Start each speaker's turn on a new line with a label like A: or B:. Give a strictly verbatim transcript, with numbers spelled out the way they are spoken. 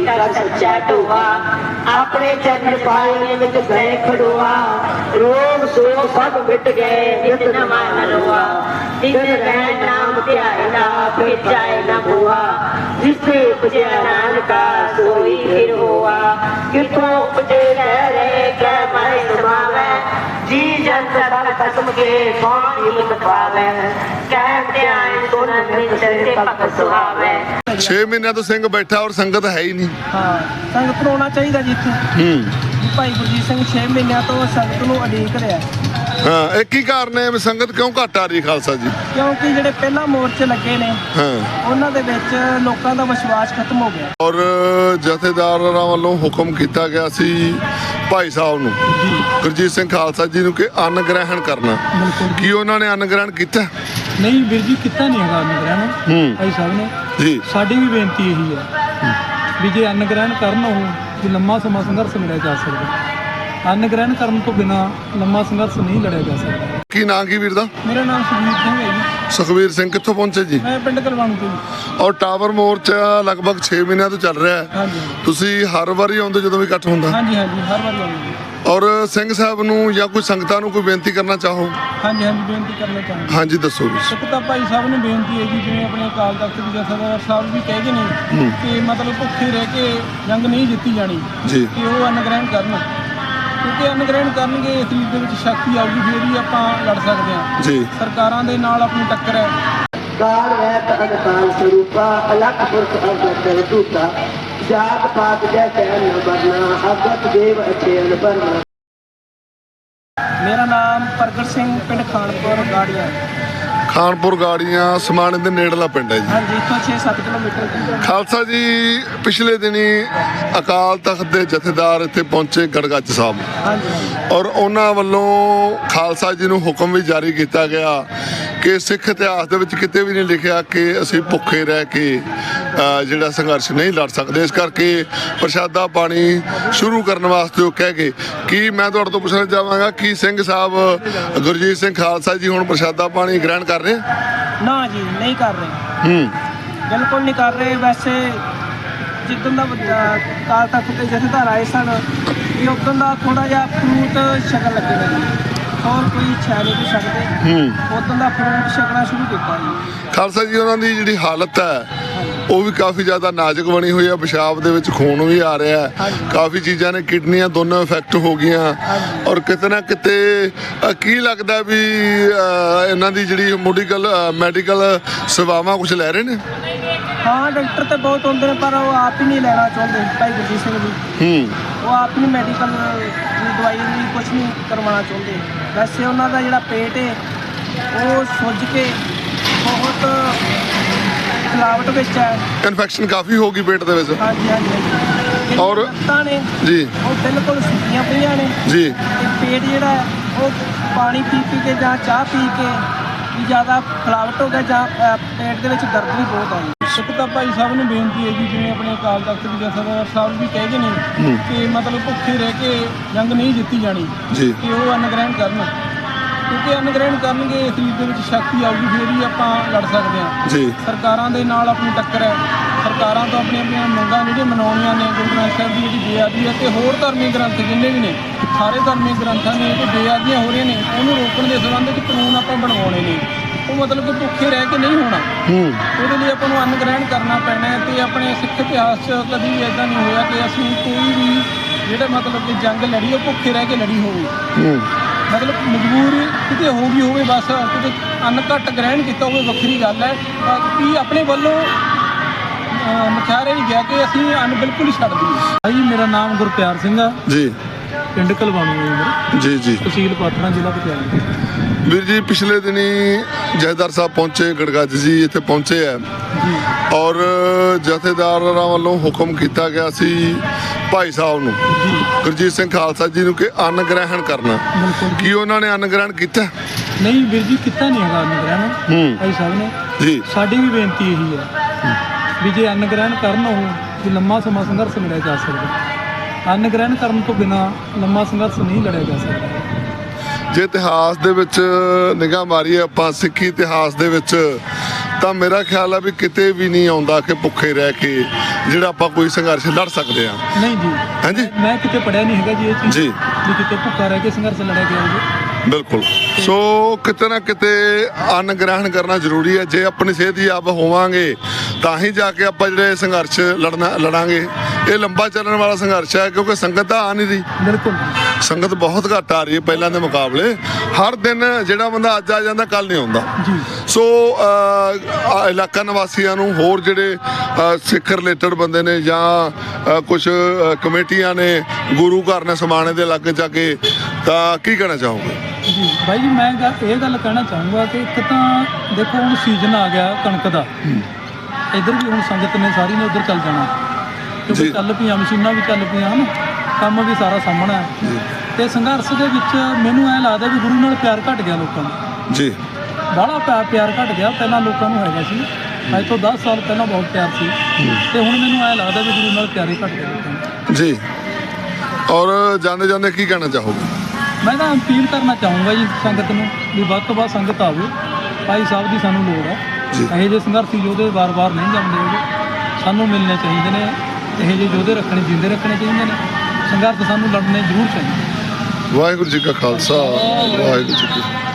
A: का सच्चा टोआ अपने चरण पालने में गए खड़ुआ रोग शोक सब मिट गए नित नवा नरोआ दिन रह नाम ध्याना फिर जाए न हुआ जिससे उपजे नानका सोई फिर हुआ कितों उपजे रह रहे कह मैं समावे जी जन सदा खत्म के कौन हिम्मत पावे कह ध्यान सुन मिट से पक सुहावे।
B: छे महीनों तो सिंह बैठा और संगत है ही नहीं।
C: हाँ संगत ਨੂੰ ਆਉਣਾ ਚਾਹੀਦਾ ਜੀ ਇੱਥੇ।
B: ਹੂੰ
C: ਭਾਈ ਗੁਰਜੀਤ ਸਿੰਘ ਛੇ ਮਹੀਨਿਆਂ ਤੋਂ ਸੰਗਤ ਨੂੰ ਉਡੀਕ ਰਿਹਾ।
B: ਹਾਂ ਇਹ ਕੀ ਕਾਰਨ ਹੈ ਵੀ ਸੰਗਤ ਕਿਉਂ ਘੱਟ ਆ ਰਹੀ ਖਾਲਸਾ ਜੀ?
C: ਕਿਉਂਕਿ ਜਿਹੜੇ ਪਹਿਲਾਂ ਮੋਰਚੇ ਲੱਗੇ ਨੇ
B: ਹਾਂ
C: ਉਹਨਾਂ ਦੇ ਵਿੱਚ ਲੋਕਾਂ ਦਾ ਵਿਸ਼ਵਾਸ ਖਤਮ ਹੋ ਗਿਆ
B: ਔਰ ਜਥੇਦਾਰਾਂ ਵੱਲੋਂ ਹੁਕਮ ਕੀਤਾ ਗਿਆ ਸੀ ਭਾਈ ਸਾਹਿਬ ਨੂੰ ਗੁਰਜੀਤ ਸਿੰਘ ਖਾਲਸਾ ਜੀ ਨੂੰ ਕਿ ਅੰਨ ਗ੍ਰਹਿਣ ਕਰਨਾ। ਕੀ ਉਹਨਾਂ ਨੇ ਅੰਨ ਗ੍ਰਹਿਣ ਕੀਤਾ?
C: ਨਹੀਂ ਵੀਰ ਜੀ ਕੀਤਾ ਨਹੀਂ ਹੈਗਾ ਅੰਨ ਗ੍ਰਹਿਣ
B: ਹੂੰ
C: ਭਾਈ ਸਾਹਿਬ ਨੇ
B: ਜੀ
C: ਸਾਡੀ ਵੀ ਬੇਨਤੀ ਇਹੀ ਹੈ ਵੀ ਜੇ ਅੰਨ ਗ੍ਰਹਿਣ ਕਰਨ ਉਹ ਵੀ ਲੰਮਾ ਸਮਾਂ ਸੰਘਰਸ਼ ਲੜਿਆ ਜਾ ਸਕਦਾ। ਅੰਨ ਗ੍ਰਹਿਣ ਕਰਨ ਤੋਂ ਬਿਨਾਂ ਲੰਮਾ ਸੰਘਰਸ਼ ਨਹੀਂ ਲੜਿਆ ਜਾ ਸਕਦਾ।
B: ਕੀ ਨਾਂ ਕੀ ਵੀਰ ਦਾ?
C: ਮੇਰਾ ਨਾਮ ਸੁਖਵੀਰ ਸਿੰਘ ਹੈ ਜੀ।
B: ਸੁਖਵੀਰ ਸਿੰਘ ਕਿੱਥੋਂ ਪਹੁੰਚੇ ਜੀ?
C: ਮੈਂ ਪਿੰਡ ਕਲਵਾਣੂ ਤੋਂ ਜੀ।
B: ਔਰ ਟਾਵਰ ਮੋਰਚਾ ਲਗਭਗ ਛੇ ਮਹੀਨਿਆਂ ਤੋਂ ਚੱਲ ਰਿਹਾ ਹੈ।
C: ਹਾਂਜੀ
B: ਤੁਸੀਂ ਹਰ ਵਾਰੀ ਆਉਂਦੇ ਜਦੋਂ ਵੀ ਇਕੱਠ ਹੁੰਦਾ?
C: ਹਾਂਜੀ ਹਾਂਜੀ ਹਰ ਵਾਰ ਆਉਂਦੇ ਜੀ।
B: ਔਰ ਸਿੰਘ ਸਾਹਿਬ ਨੂੰ ਜਾਂ ਕੋਈ ਸੰਗਤਾਂ ਨੂੰ ਕੋਈ ਬੇਨਤੀ ਕਰਨਾ ਚਾਹੋ?
C: ਹਾਂਜੀ ਹਾਂਜੀ ਬੇਨਤੀ ਕਰਨਾ ਚਾਹੁੰਦਾ।
B: ਹਾਂਜੀ ਦੱਸੋ ਜੀ।
C: ਇੱਕ ਤਾਂ ਭਾਈ ਸਾਹਿਬ ਨੂੰ ਬੇਨਤੀ ਹੈ ਜੀ ਜਿਵੇਂ ਆਪਣੇ ਅਕਾਲ ਤਖਤ ਦੇ ਜਥੇਦਾਰ ਸਾਹਿਬ ਵੀ ਕਹਿ ਗਏ ਨੇ ਕਿ ਮਤਲਬ ਭੁੱਖੇ ਰਹਿ ਕੇ ਜੰਗ ਨਹੀਂ ਜਿੱਤੀ ਜਾਣੀ
B: ਜੀ
C: ਕਿ ਉਹ ਅੰਨ ਗ੍ਰਹਿਣ ਕਰਨ ਕਿਉਂਕਿ ਅੰਨ ਗ੍ਰਹਿਣ ਕਰਨਗੇ ਸਰੀਰ ਦੇ ਵਿੱਚ ਸ਼ਕਤੀ ਆਊਗੀ ਫਿਰ ਹੀ ਆਪਾਂ ਲੜ ਸਕਦੇ ਹਾਂ।
B: ਜੀ
C: ਸਰਕਾਰਾਂ ਦੇ ਨਾਲ ਆਪਣੀ ਟੱਕਰ ਹੈ।
A: काल वैत अनकाल स्वरूपा अलख पुरख अवगत दूता जात पात जय चैन न बरना अगत देव अच्छे अनबरना।
C: ਮੇਰਾ ਨਾਮ ਪ੍ਰਗਟ ਸਿੰਘ ਪਿੰਡ ਖਾਨਪੁਰ ਗਾੜੀਆਂ।
B: ਖਾਨਪੁਰ ਗਾੜੀਆਂ ਸਮਾਣੇ ਦੇ ਨੇੜਲਾ ਪਿੰਡ ਹੈ ਜੀ।
C: ਹਾਂਜੀ ਇੱਥੋਂ ਛੇ ਸੱਤ ਕਿਲੋਮੀਟਰ ਦੀ।
B: ਖਾਲਸਾ ਜੀ ਪਿਛਲੇ ਦਿਨੀ ਅਕਾਲ ਤਖਤ ਦੇ ਜਥੇਦਾਰ ਇੱਥੇ ਪਹੁੰਚੇ ਗੜਗੱਜ ਸਾਹਿਬ
C: ਹਾਂਜੀ ਹਾਂਜੀ
B: ਔਰ ਉਹਨਾਂ ਵੱਲੋਂ ਖਾਲਸਾ ਜੀ ਨੂੰ ਹੁਕਮ ਵੀ ਜਾਰੀ ਕੀਤਾ ਗਿਆ ਕਿ ਸਿੱਖ ਇਤਿਹਾਸ ਦੇ ਵਿੱਚ ਕਿਤੇ ਵੀ ਨਹੀਂ ਲਿਖਿਆ ਕਿ ਅਸੀਂ ਭੁੱਖੇ ਰਹਿ ਕੇ ਅ, ਜਿਹੜਾ ਸੰਘਰਸ਼ ਨਹੀਂ ਲੜ ਸਕਦੇ। ਇਸ ਕਰਕੇ ਪ੍ਰਸ਼ਾਦਾ ਪਾਣੀ ਸ਼ੁਰੂ ਕਰਨ ਵਾਸਤੇ ਉਹ ਕਹਿ ਗਏ। ਕੀ ਮੈਂ ਤੁਹਾਡੇ ਤੋਂ ਪੁੱਛਣਾ ਚਾਹਾਂਗਾ ਕਿ ਸਿੰਘ ਸਾਹਿਬ ਗੁਰਜੀਤ ਸਿੰਘ ਖਾਲਸਾ ਜੀ ਹੁਣ ਪ੍ਰਸ਼ਾਦਾ ਪਾਣੀ ਗ੍ਰਹਿਣ ਕਰ ਰਹੇ?
C: ਨਾ ਜੀ ਨਹੀਂ ਕਰ ਰਹੇ
B: ਹੂੰ
C: ਬਿਲਕੁਲ ਨਹੀਂ ਕਰ ਰਹੇ। ਵੈਸੇ ਜਿੱਦਣ ਦਾ ਅਕਾਲ ਤਖਤ ਦੇ ਜਥੇਦਾਰ ਆਏ ਸਨ ਵੀ ਉਦੋਂ ਦਾ ਥੋੜਾ ਜਿਹਾ ਫਰੂਟ ਛਕਣ ਲੱਗੇ ਨੇ ਜੀ। ਹੋਰ ਕੋਈ ਛੈ ਨਹੀਂ ਕੋਈ ਛਕਦੇ
B: ਹੂੰ
C: ਉਦੋਂ ਦਾ ਫਰੂਟ ਛਕਣਾ ਸ਼ੁਰੂ ਕੀਤਾ ਜੀ।
B: ਖਾਲਸਾ ਜੀ ਉਹਨਾਂ ਦੀ ਜਿਹੜੀ ਹਾਲਤ ਹੈ ਉਹ ਵੀ ਕਾਫੀ ਜ਼ਿਆਦਾ ਨਾਜ਼ੁਕ ਬਣੀ ਹੋਈ ਹੈ। ਪਿਸ਼ਾਬ ਦੇ ਵਿੱਚ ਖੂਨ ਵੀ ਆ ਰਿਹਾ ਹੈ। ਕਾਫੀ ਚੀਜ਼ਾਂ ਨੇ ਕਿਡਨੀਆਂ ਦੋਨੋਂ ਇਫੈਕਟ ਹੋ ਗਈਆਂ ਔਰ ਕਿਤੇ ਨਾ ਕਿਤੇ ਅ, ਕੀ ਲੱਗਦਾ ਵੀ ਅ, ਇਹਨਾਂ ਦੀ ਜਿਹੜੀ ਮੈਡੀਕਲ ਮੈਡੀਕਲ ਸੇਵਾਵਾਂ ਕੁਝ ਲੈ ਰਹੇ ਨੇ?
C: ਹਾਂ ਡਾਕਟਰ ਤੇ ਬਹੁਤ ਹੁੰਦੇ ਨੇ ਪਰ ਉਹ ਆਪ ਹੀ ਨਹੀਂ ਲੈਣਾ ਚਾਹੁੰਦੇ ਭਾਈ ਗੁਰਜੀਤ ਸਿੰਘ ਜੀ।
B: ਹੂੰ
C: ਉਹ ਆਪ ਨਹੀਂ ਮੈਡੀਕਲ ਦੀ ਦਵਾਈ ਵੀ ਕੁਝ ਨਹੀਂ ਕਰਵਾਉਣਾ ਚਾਹੁੰਦੇ। ਵੈਸੇ ਉਹਨਾਂ ਦਾ ਜਿਹੜਾ ਪੇਟ ਹੈ ਉਹ ਸੁੱਜ ਕੇ ਬਹੁਤ ਖਿਲਾਵਟ ਵਿੱਚ ਹੈ।
B: ਇਨਫੈਕਸ਼ਨ ਕਾਫੀ ਹੋ ਗਈ ਪੇਟ ਦੇ ਵਿੱਚ।
C: ਹਾਂਜੀ ਹਾਂਜੀ ਹਾਂਜੀ
B: ਔਰ
C: ਲੱਤਾਂ ਨੇ
B: ਜੀ
C: ਉਹ ਬਿਲਕੁਲ ਸੁੱਕੀਆਂ ਪਈਆਂ ਨੇ
B: ਜੀ
C: ਤੇ ਪੇਟ ਜਿਹੜਾ ਹੈ ਉਹ ਪਾਣੀ ਪੀ ਪੀ ਕੇ ਜਾਂ ਚਾਹ ਪੀ ਕੇ ਵੀ ਜ਼ਿਆਦਾ ਖਿਲਾਵਟ ਹੋ ਗਿਆ ਜਾਂ ਅ, ਪੇਟ ਦੇ ਵਿੱਚ ਦਰਦ ਵੀ ਬਹੁਤ ਆ ਜੀ। ਇੱਕ ਤਾਂ ਭਾਈ ਸਾਹਿਬ ਨੂੰ ਬੇਨਤੀ ਹੈ ਜੀ ਜਿਵੇਂ ਆਪਣੇ ਅਕਾਲ ਤਖਤ ਦੇ ਜਥੇਦਾਰ ਸਾਹਿਬ ਵੀ ਕਹਿ ਗਏ ਨੇ ਕਿ ਮਤਲਬ ਭੁੱਖੇ ਰਹਿ ਕੇ ਜੰਗ ਨਹੀਂ ਜਿੱਤੀ ਜਾਣੀ
B: ਜੀ
C: ਕਿ ਉਹ ਅੰਨ ਗ੍ਰਹਿਣ ਕਰਨ ਕਿਉਂਕਿ ਅੰਨ ਗ੍ਰਹਿਣ ਕਰਨਗੇ ਸਰੀਰ ਦੇ ਵਿੱਚ ਸ਼ਕਤੀ ਆਊਗੀ ਫਿਰ ਹੀ ਆਪਾਂ ਲੜ ਸਕਦੇ ਹਾਂ।
B: ਜੀ
C: ਸਰਕਾਰਾਂ ਦੇ ਨਾਲ ਆਪਣੀ ਟੱਕਰ ਹੈ। ਸਰਕਾਰਾਂ ਤੋਂ ਆਪਣੀਆਂ ਆਪਣੀਆਂ ਮੰਗਾਂ ਜਿਹੜੀਆਂ ਮਨਾਉਣੀਆਂ ਨੇ ਗੁਰੂ ਗ੍ਰੰਥ ਸਾਹਿਬ ਦੀ ਜਿਹੜੀ ਬੇਅਦਬੀ ਹੈ ਤੇ ਹੋਰ ਧਾਰਮਿਕ ਗ੍ਰੰਥ ਜਿੰਨੇ ਵੀ ਨੇ ਸਾਰੇ ਧਾਰਮਿਕ ਗ੍ਰੰਥਾਂ ਦੀਆਂ ਜੋ ਬੇਅਦਬੀਆਂ ਹੋ ਰਹੀਆਂ ਨੇ ਉਹਨੂੰ ਰੋਕਣ ਦੇ ਸੰਬੰਧ ਵਿੱਚ ਕਾਨੂੰਨ ਆਪਾਂ ਬਣਵਾਉਣੇ ਨੇ। ਉਹ ਮਤਲਬ ਕਿ ਭੁੱਖੇ ਰਹਿ ਕੇ ਨਹੀਂ ਹੋਣਾ।
B: ਹੂੰ
C: ਉਹਦੇ ਲਈ ਆਪਾਂ ਨੂੰ ਅੰਨ ਗ੍ਰਹਿਣ ਕਰਨਾ ਪੈਣਾ ਹੈ ਤੇ ਆਪਣੇ ਸਿੱਖ ਇਤਿਹਾਸ 'ਚ ਕਦੀ ਵੀ ਇੱਦਾਂ ਨਹੀਂ ਹੋਇਆ ਕਿ ਅਸੀਂ ਕੋਈ ਵੀ ਜਿਹੜਾ ਮਤਲਬ ਕਿ ਜੰਗ ਲੜੀ ਉਹ ਭੁੱਖੇ ਰਹਿ ਕੇ ਲੜੀ ਹੋਵੇ।
B: ਹੂੰ
C: ਮਤਲਬ ਮਜਬੂਰ ਕਿਤੇ ਹੋ ਗਈ ਹੋਵੇ ਬਸ ਕਿਤੇ ਅੰਨ ਘੱਟ ਗ੍ਰਹਿਣ ਕੀਤਾ ਹੋਵੇ ਵੱਖਰੀ ਗੱਲ ਹੈ। ਕਿ ਆਪਣੇ ਵੱਲੋਂ ਮਖਿਆਰੇ ਨਹੀਂ ਗਿਆ ਕਿ ਅਸੀਂ ਅੰਨ ਬਿਲਕੁਲ ਹੀ ਛੱਡ ਦਈਏ। ਭਾਈ ਮੇਰਾ ਨਾਮ ਗੁਰਪਿਆਰ ਸਿੰਘ ਆ
B: ਜੀ
C: ਪਿੰਡ ਕਲਵਾਣੂ ਹੈ ਮੇਰਾ
B: ਜੀ ਜੀ
C: ਤਹਿਸੀਲ ਪਾਤੜਾਂ ਜ਼ਿਲ੍ਹਾ ਪਟਿਆਲਾ।
B: ਵੀਰ ਜੀ ਪਿਛਲੇ ਦਿਨੀ ਜਥੇਦਾਰ ਸਾਹਿਬ ਪਹੁੰਚੇ ਗੜਗੱਜ ਜੀ ਇੱਥੇ ਪਹੁੰਚੇ ਆ ਔਰ ਜਥੇਦਾਰਾਂ ਵੱਲੋਂ ਹੁਕਮ ਕੀਤਾ ਗਿਆ ਸੀ ਭਾਈ ਸਾਹਿਬ ਨੂੰ ਗੁਰਜੀਤ ਸਿੰਘ ਖਾਲਸਾ ਜੀ ਨੂੰ ਕਿ ਅੰਨ ਗ੍ਰਹਿਣ ਕਰਨਾ। ਕੀ ਉਹਨਾਂ ਨੇ ਅੰਨ ਗ੍ਰਹਿਣ ਕੀਤਾ?
C: ਨਹੀਂ ਵੀਰ ਜੀ ਕੀਤਾ ਨਹੀਂ ਹੈਗਾ ਅੰਨ ਗ੍ਰਹਿਣ
B: ਹੂੰ
C: ਭਾਈ ਸਾਹਿਬ ਨੇ
B: ਜੀ
C: ਸਾਡੀ ਵੀ ਬੇਨਤੀ ਇਹੀ ਹੈ ਵੀ ਜੇ ਅੰਨ ਗ੍ਰਹਿਣ ਕਰਨ ਉਹ ਵੀ ਲੰਮਾ ਸਮਾਂ ਸੰਘਰਸ਼ ਲੜਿਆ ਜਾ ਸਕਦਾ। ਅੰਨ ਗ੍ਰਹਿਣ ਕਰਨ ਤੋਂ ਬਿਨਾਂ ਲੰਮਾ ਸੰਘਰਸ਼ ਨਹੀਂ ਲੜਿਆ ਜਾ ਸਕਦਾ।
B: ਜੇ ਇਤਿਹਾਸ ਦੇ ਵਿੱਚ ਨਿਗਾਹ ਮਾਰੀਏ ਆਪਾਂ ਸਿੱਖੀ ਇਤਿਹਾਸ ਦੇ ਵਿੱਚ ਤਾਂ ਮੇਰਾ ਖਿਆਲ ਆ ਵੀ ਕਿਤੇ ਵੀ ਨਹੀਂ ਆਉਂਦਾ ਕਿ ਭੁੱਖੇ ਰਹਿ ਕੇ ਜਿਹੜਾ ਆਪਾਂ ਕੋਈ ਸੰਘਰਸ਼ ਲੜ ਸਕਦੇ ਹਾਂ।
C: ਨਹੀਂ ਜੀ,
B: ਹਾਂਜੀ
C: ਮੈਂ ਕਿਤੇ ਪੜਿਆ ਨਹੀਂ ਹੈਗਾ ਜੀ ਇਹ ਚੀਜ਼
B: ਜੀ।
C: ਵੀ ਕਿਤੇ ਭੁੱਖਾ ਰਹਿ ਕੇ ਸੰਘਰਸ਼ ਲੜਿਆ ਗਿਆ ਹੋਵੇ।
B: ਬਿਲਕੁਲ। ਸੋ ਕਿਤੇ ਨਾ ਕਿਤੇ ਅੰਨ ਗ੍ਰਹਿਣ ਕਰਨਾ ਜ਼ਰੂਰੀ ਹੈ। ਜੇ ਆਪਣੀ ਸਿਹਤ ਹੀ ਆਪ ਹੋਵਾਂਗੇ ਤਾਂ ਹੀ ਜਾ ਕੇ ਆਪਾਂ ਜਿਹੜੇ ਸੰਘਰਸ਼ ਲੜਨਾ ਲੜਾਂਗੇ। ਇਹ ਲੰਬਾ ਚੱਲਣ ਵਾਲਾ ਸੰਘਰਸ਼ ਹੈ, ਕਿਉਂਕਿ ਸੰਗਤ ਤਾਂ ਆ ਨਹੀਂ ਰਹੀ।
C: ਬਿਲਕੁਲ
B: ਸੰਗਤ ਬਹੁਤ ਘੱਟ ਆ ਰਹੀ ਹੈ ਪਹਿਲਾਂ ਦੇ ਮੁਕਾਬਲੇ। ਹਰ ਦਿਨ ਜਿਹੜਾ ਬੰਦਾ ਅੱਜ ਆ ਜਾਂਦਾ ਕੱਲ ਨਹੀਂ ਆਉਂਦਾ
C: ਜੀ।
B: ਸੋ ਅ, ਇਲਾਕਾ ਨਿਵਾਸੀਆਂ ਨੂੰ, ਹੋਰ ਜਿਹੜੇ ਅ, ਸਿੱਖ ਰਿਲੇਟਡ ਬੰਦੇ ਨੇ ਜਾਂ ਕੁਝ ਕਮੇਟੀਆਂ ਨੇ, ਗੁਰੂ ਘਰ ਨੇ ਸਮਾਣੇ ਦੇ ਇਲਾਕੇ ਜਾ ਕੇ, ਤਾਂ ਕੀ ਕਹਿਣਾ ਚਾਹੋਗੇ?
C: ਜੀ ਬਾਈ ਜੀ, ਮੈਂ ਗੱਲ ਇਹ ਗੱਲ ਕਹਿਣਾ ਚਾਹੂੰਗਾ ਕਿ ਇੱਕ ਤਾਂ ਦੇਖੋ ਹੁਣ ਸੀਜ਼ਨ ਆ ਗਿਆ ਕਣਕ ਦਾ, ਇੱਧਰ ਵੀ ਹੁਣ ਸੰਗਤ ਨੇ ਸਾਰੀ ਨੇ ਉੱਧਰ ਚੱਲ ਜਾਣਾ, ਕਿਉਂਕਿ
B: ਜੀ।
C: ਚੱਲ ਪਈਆਂ ਮਸ਼ੀਨਾਂ ਵੀ ਚੱਲ ਪਈਆਂ ਹਨ, ਕੰਮ ਵੀ ਸਾਰਾ ਸਾਹਮਣਾ ਹੈ। ਤੇ ਸੰਘਰਸ਼ ਦੇ ਵਿੱਚ ਮੈਨੂੰ ਐਂ ਲੱਗਦਾ ਵੀ ਗੁਰੂ ਨਾਲ ਪਿਆਰ ਘਟ ਗਿਆ ਲੋਕਾਂ ਦਾ
B: ਜੀ।
C: ਬਾਹਲਾ ਪਿਆਰ ਪਿਆਰ ਘਟ ਗਿਆ। ਪਹਿਲਾਂ ਲੋਕਾਂ ਨੂੰ ਹੈਗਾ ਸੀ, ਅੱਜ ਤੋਂ ਦਸ ਸਾਲ ਪਹਿਲਾਂ ਬਹੁਤ ਪਿਆਰ ਸੀ, ਤੇ ਹੁਣ ਮੈਨੂੰ ਐਂ ਲੱਗਦਾ ਵੀ ਗੁਰੂ ਨਾਲ ਪਿਆਰ ਹੀ ਘਟ ਗਿਆ ਲੋਕਾਂ ਦਾ।
B: ਜੀ। ਔਰ ਜਾਂਦੇ ਜਾਂਦੇ ਕੀ ਕਹਿਣਾ ਚਾਹੋਗੇ?
C: ਮੈਂ ਤਾਂ ਅਪੀਲ ਕਰਨਾ ਚਾਹੂੰਗਾ ਜੀ ਸੰਗਤ ਨੂੰ ਵੀ ਵੱਧ ਤੋਂ ਵੱਧ ਸੰਗਤ ਆਵੇ। ਭਾਈ ਸਾਹਿਬ ਦੀ ਸਾਨੂੰ ਲੋੜ ਹੈ।
B: ਜੀ।
C: ਇਹੋ ਜਿਹੇ ਸੰਘਰਸ਼ੀ ਯੋਧੇ ਵਾਰ-ਵਾਰ ਨਹੀਂ ਜਾਂਦੇ ਹੈਗੇ, ਸਾਨੂੰ ਮਿਲਣੇ ਚਾਹੀਦੇ ਨੇ। ਇਹੋ ਜਿਹੇ ਯੋਧੇ ਰੱਖਣੇ, ਜਿੰਦੇ ਰੱਖਣੇ ਚਾਹੀਦੇ ਨੇ। ਸੰਘਰਸ਼ ਸਾਨੂੰ ਲੜਨੇ ਜ਼ਰੂਰ ਚਾਹੀਦੇ।
B: ਵਾਹਿਗੁਰੂ ਜੀ ਕਾ ਖਾਲਸਾ, ਵਾਹਿਗੁਰੂ ਜੀ ਕੀ ਫਤਿਹ।